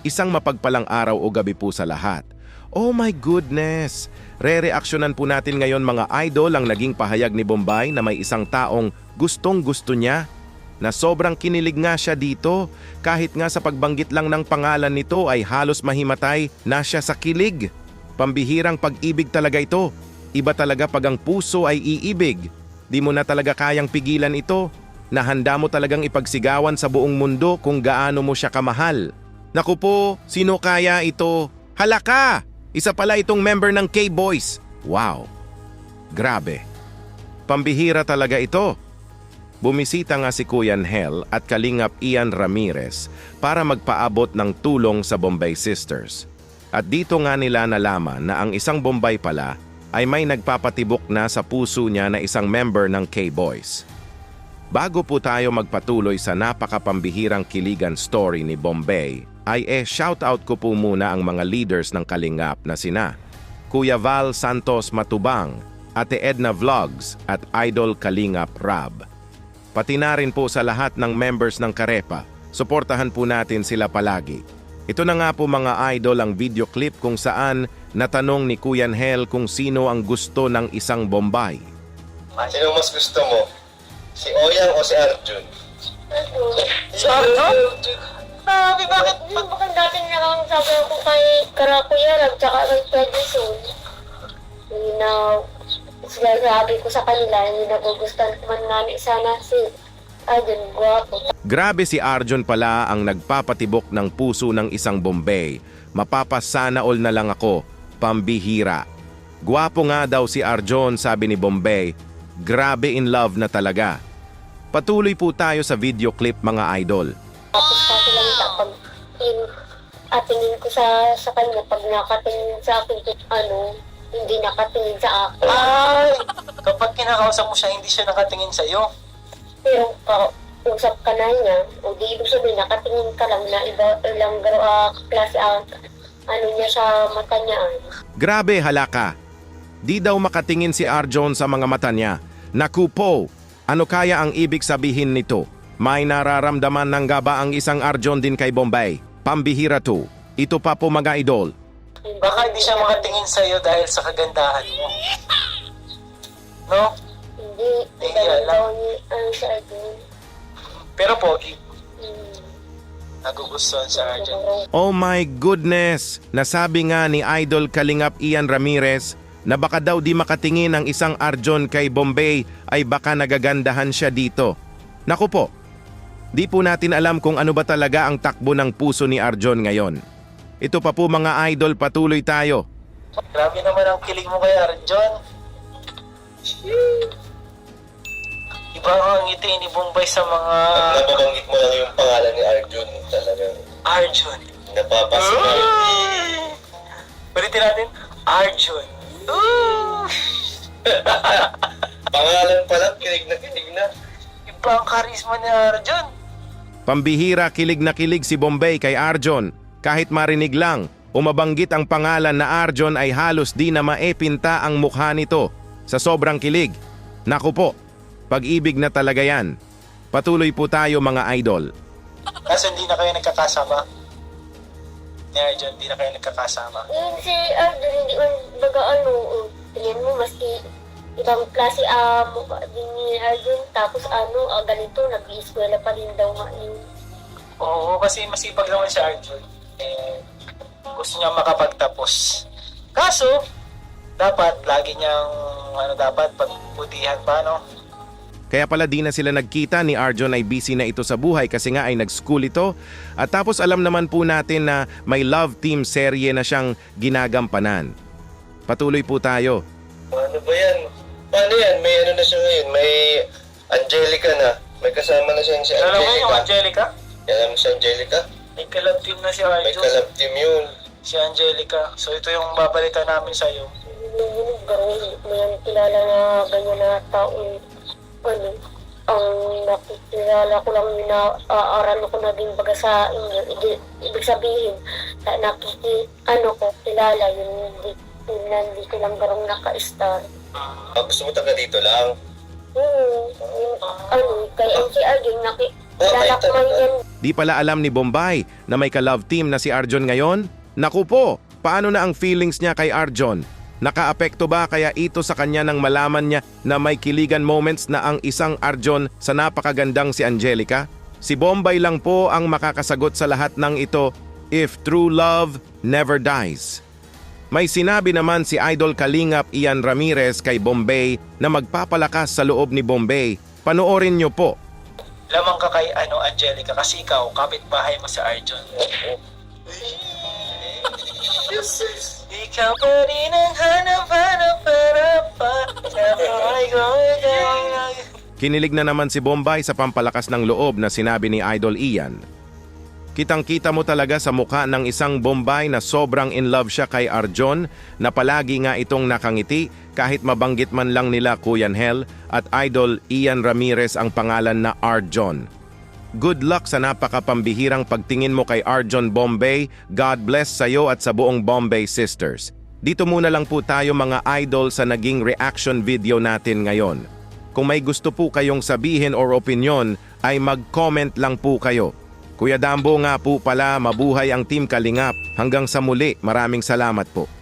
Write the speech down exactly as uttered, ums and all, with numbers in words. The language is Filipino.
Isang mapagpalang araw o gabi po sa lahat. Oh my goodness! Re-reaksyonan po natin ngayon mga idol ang naging pahayag ni Bombay na may isang taong gustong gusto niya. Na sobrang kinilig nga siya dito, kahit nga sa pagbanggit lang ng pangalan nito ay halos mahimatay na siya sa kilig. Pambihirang pag-ibig talaga ito. Iba talaga pag ang puso ay iibig. Di mo na talaga kayang pigilan ito. Na handa mo talagang ipagsigawan sa buong mundo kung gaano mo siya kamahal. Naku po, sino kaya ito? Halaka! Isa pala itong member ng K-Boys. Wow! Grabe. Pambihira talaga ito. Bumisita nga si Kuya Hel at Kalingap Ian Ramirez para magpaabot ng tulong sa Bombay Sisters. At dito nga nila nalaman na ang isang Bombay pala ay may nagpapatibok na sa puso niya na isang member ng K-Boys. Bago po tayo magpatuloy sa napakapambihirang kiligan story ni Bombay, ay eh shoutout ko po muna ang mga leaders ng Kalingap na sina Kuya Val Santos Matubang, Ate Edna Vlogs at Idol Kalingap Rab. Pati na rin po sa lahat ng members ng Karepa, suportahan po natin sila palagi. Ito na nga po mga idol ang video clip kung saan natanong ni Kuya Hel kung sino ang gusto ng isang Bombay. Sino mas gusto mo? Si Oyang o si Arjun? Si Arjun? Sabi, bakit? Bakit dati na sabi ko kay Karakuya, tsaka kay Pedison. Hindi na, sabi ko sa kanila, hindi nagugustuhan man namin sana si Arjun, guwapo. Grabe si Arjun pala ang nagpapatibok ng puso ng isang Bombay. Mapapasana all na lang ako, pambihira. Guwapo nga daw si Arjun, sabi ni Bombay. Grabe in love na talaga. Patuloy po tayo sa video clip mga idol. Tapos kasi lang pag in, atingin ko sa sa kanya, pag nakatingin sa akin, ano, hindi nakatingin sa akin. Ay! Kapag kinakausap mo siya, hindi siya nakatingin sa'yo. Pero kausap ka na niya, o di ibig sabihin, nakatingin ka lang na iba, ilang uh, klase ang ano niya sa mata niya. Grabe halaka. Di daw makatingin si Arjun sa mga mata niya. Naku po, ano kaya ang ibig sabihin nito? May nararamdaman ng gaba ang isang Arjun din kay Bombay. Pambihira to. Ito pa po mga idol. Baka hindi siya makatingin sa'yo dahil sa kagandahan mo. No? Hindi, Hindi, dahil alam. daw ni, ano sa akin. Pero pogi. Hmm, Nagugustuhan sa Arjun. Oh my goodness! Nasabi nga ni Idol Kalingap Ian Ramirez na baka daw di makatingin ang isang Arjun kay Bombay ay baka nagagandahan siya dito. Naku po, di po natin alam kung ano ba talaga ang takbo ng puso ni Arjun ngayon. Ito pa po mga idol, patuloy tayo. Grabe naman ang kilig mo kay Arjun. Iba ang ngiti ni Bombay sa mga Pag nababanggit mo lang yung pangalan ni Arjun, talagang Arjun. napapasinay. Balitin natin, Arjun. Ooh! Pangalan pa lang, kilig na kilig na. Iba ang karisma ni Arjun. Pambihira kilig na kilig si Bombay kay Arjun. Kahit marinig lang, umabanggit ang pangalan na Arjun ay halos di na maepinta ang mukha nito sa sobrang kilig. Naku po, pag-ibig na talaga yan. Patuloy po tayo mga idol. Kasi hindi na kayo nagkakasama. Ni Arjun, hindi na kayo nagkakasama. yun si Arjun, hindi man baga ano, uh, tingin mo, maski ibang klase ah, mukha din ni Arjun, tapos ano, ah, ganito, nag-i-eskwela pa rin daw nga yun. Oo, kasi masipag naman si Arjun. Eh, gusto niya makapagtapos. Kaso, dapat lagi niyang, ano dapat, pagbutihan pa, no? Kaya pala di na sila nagkita, ni Arjun ay busy na ito sa buhay kasi nga ay nag-school ito. At tapos alam naman po natin na may love team serye na siyang ginagampanan. Patuloy po tayo. Ano ba yan? Paano yan? May ano na siya ngayon? May Angelica na. May kasama na siya si Alam mo yung Angelica. Angelica? Alam mo si Angelica? May kalab team na si May Arjun. kalab team yun. Si Angelica. So ito yung babalita namin sa'yo. Yun, gano'n, may kilala na ganyan na taong, ano, ang nakikilala ko lang yun na aaral ko na din baga sa inyo. Ibig, ibig sabihin, na nakiki, ano ko, kilala yun, hindi, yun na hindi ko lang garong naka-star. Ah, gusto mo taga dito lang? Hmm, yung, ano, kay M C R yung naki, Okay, kilala ko lang yan. Di pala alam ni Bombay na may ka-love team na si Arjon ngayon? Naku po, paano na ang feelings niya kay Arjon? Nakaapekto ba kaya ito sa kanya nang malaman niya na may kiligan moments na ang isang Arjon sa napakagandang si Angelica? Si Bombay lang po ang makakasagot sa lahat ng ito, if true love never dies. May sinabi naman si Idol Kalingap Ian Ramirez kay Bombay na magpapalakas sa loob ni Bombay. Panoorin niyo po. Lamang ka kay ano, Angelica, kasi ikaw, kapitbahay mo sa Arjon. Ikaw pa rin ang hanap-hanap para pa. Kinilig na naman si Bombay sa pampalakas ng loob na sinabi ni Idol Ian. Kitang-kita mo talaga sa mukha ng isang Bombay na sobrang in love siya kay Arjon na palagi nga itong nakangiti kahit mabanggit man lang nila Kuya Hel at Idol Ian Ramirez ang pangalan na Arjon. Good luck sa napakapambihirang pagtingin mo kay Arjon Bombay. God bless sa iyo at sa buong Bombay Sisters. Dito muna lang po tayo mga idol sa naging reaction video natin ngayon. Kung may gusto po kayong sabihin or opinion ay mag-comment lang po kayo. Kuya Dambo nga po pala, mabuhay ang Team Kalingap. Hanggang sa muli, maraming salamat po.